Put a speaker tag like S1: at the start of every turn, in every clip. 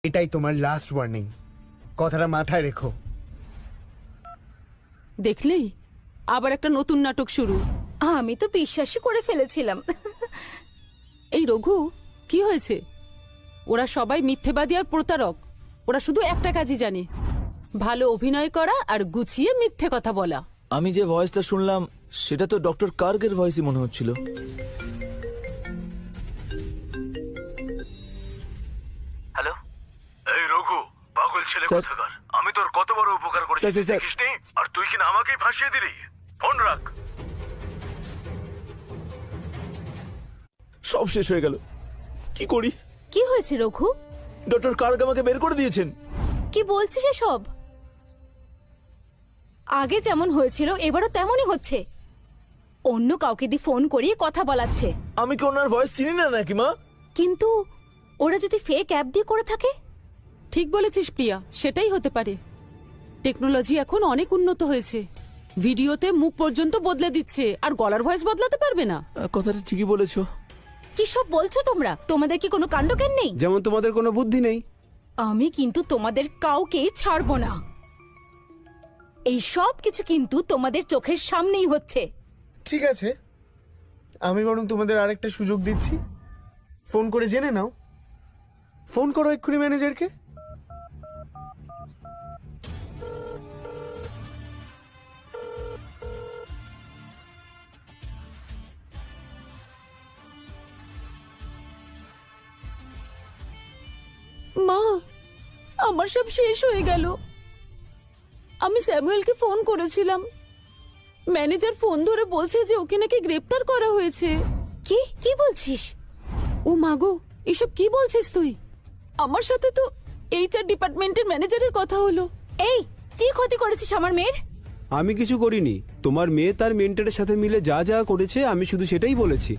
S1: এটাই তোমার last warning, কথাটা মাথায় রেখো।
S2: দেখলেই আবার একটা নতুন নাটক শুরু।
S3: আমি তো বিশ্বাসই করে ফেলেছিলাম।
S2: এই রঘু, কি হয়েছে? ওরা সবাই মিথ্যেবাদী আর প্রতারক। ওরা শুধু একটা কাজই জানে, ভালো অভিনয় করা আর গুছিয়ে মিথ্যে কথা বলা।
S4: আমি যে ভয়েসটা শুনলাম সেটা তো ডক্টর কার্গের ভয়েসই মনে হচ্ছিল।
S5: হ্যালো, এই রঘু, পাগল ছেলে
S4: স্যার।
S5: কোথাকার। আমি তোর কত বড় উপকার করেছি
S4: স্যার, স্যার, স্যার।
S5: দেখিসনি? আর তুই কিনা আমাকেই ফাঁসিয়ে দিলি। ফোন রাখ।
S4: সব শেষ হয়ে গেল, কি করি?
S3: কি হয়েছে রঘু?
S4: ডক্টর কার্গ আমাকে বের করে দিয়েছেন।
S3: কি বলছিস সব? আগে যেমন হয়েছিল এবারও তেমনই হচ্ছে। অন্য কাউকে দিয়ে ফোন করিয়ে কথা বলাচ্ছে।
S4: আমি কি ওনার ভয়েস চিনি না নাকি মা?
S3: কিন্তু ওরা যদি ফেক অ্যাপ দিয়ে করে থাকে?
S2: ঠিক বলেছিস প্রিয়া, সেটাই হতে পারে। টেকনোলজি এখন অনেক উন্নত হয়েছে, ভিডিওতে মুখ পর্যন্ত বদলে দিচ্ছে, আর গলার ভয়েস বদলাতে পারবে না।
S4: কথাটা ঠিকই বলেছো।
S3: কি সব বলছো তোমরা? তোমাদের কি কোনো কাণ্ডজ্ঞান নেই?
S1: যেমন তোমাদের কোনো বুদ্ধি নেই।
S3: আমি কিন্তু তোমাদের কাউকেই ছাড়বো না। এই সব কিছু কিন্তু তোমাদের চোখের সামনেই হচ্ছে।
S1: ঠিক আছে, আমি বরং তোমাদের আরেকটা সুযোগ দিচ্ছি, ফোন করে জেনে নাও। ফোন করো এক্ষুনি ম্যানেজারকে।
S2: মা, আমার সব শেষ হয়ে গেল। আমি স্যামুয়েলকে ফোন করেছিলাম, ম্যানেজার ফোন ধরে বলছে যে ওকে নাকি গ্রেপ্তার করা হয়েছে।
S3: কি কি বলছিস?
S2: ও মাগো, এসব কি বলছিস তুই? আমার সাথে তো এইচআর ডিপার্টমেন্টের ম্যানেজারের কথা হলো।
S3: এই, কি ক্ষতি করেছিস আমার মেয়ের?
S6: আমি কিছু করিনি। তোমার মেয়ে তার মেন্টরের সাথে মিলে যা যা করেছে আমি শুধু সেটাই বলেছি।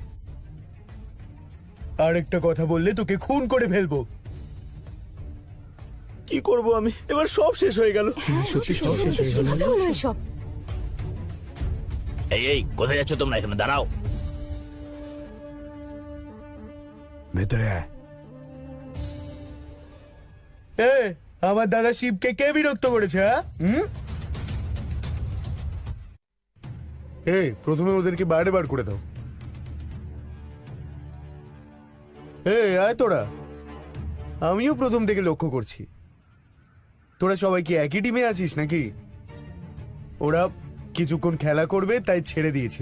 S1: আরেকটা কথা বললে তোকে খুন করে ফেলবো।
S4: কি করব আমি? এবার সব শেষ হয়ে গেল।
S6: সত্যি সব শেষ হয়ে গেল।
S3: কিভাবে হলো এসব?
S5: এই কোথায় যাচ্ছ তোমরা? এখানে দাঁড়াও।
S6: ভেতরে আয়।
S1: আমার দাদা শিবকে কে বিরক্ত করেছে? প্রথমে ওদেরকে বাইরে বার করে দাও। আয় তোরা, আমিও প্রথম থেকে লক্ষ্য করছি তোরা সবাই কি একই টিমে আছিস নাকি? ওরা কিছুক্ষণ খেলা করবে তাই ছেড়ে দিয়েছে।